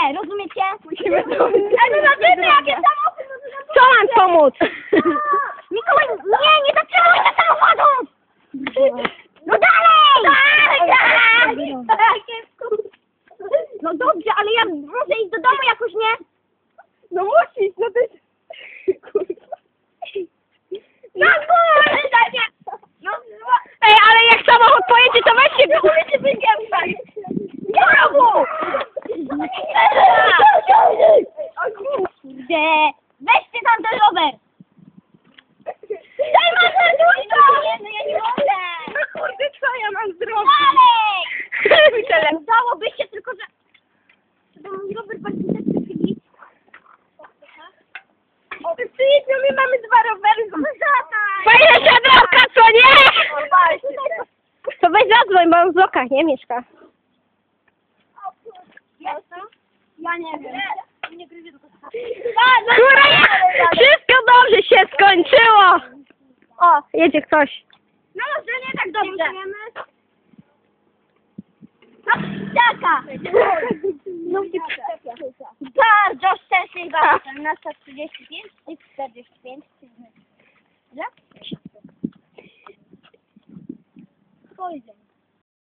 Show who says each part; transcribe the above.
Speaker 1: nie, rozumiecie?
Speaker 2: Musimy to...
Speaker 1: Ale zobaczymy, jakie samochód!
Speaker 2: Co mam pomóc?
Speaker 1: Mikołaj, nie zatrzymaj się samochodu! No dalej! Tak, no dobrze, ale ja muszę iść do domu jakoś, nie?
Speaker 2: No musisz, no to jest... Kurwa.
Speaker 1: No kurde, no
Speaker 2: Ej, ale jak samochód pojedzie, to weźcie go!
Speaker 1: Znowu! Kurde, weźcie tam ten rower! Daj mam na długo! No ja nie mogę!
Speaker 2: No kurde, co ja mam zrobić?
Speaker 1: Dalej! Udałoby się, tylko że... To mój rower bardziej tak przychyli.
Speaker 2: Przyjedź, my mamy 2 rowery.
Speaker 1: Zataj!
Speaker 2: Fajna drogka, co nie? To weź zadzwoń, bo on w blokach nie mieszka.
Speaker 1: Ja nie wiem. Nie gryzie tylko
Speaker 2: Kurwa, wszystko dobrze się skończyło. O, jedzie ktoś.
Speaker 1: No może nie tak dobrze. No ptaka! No bardzo szczęśliwa jestem na 135.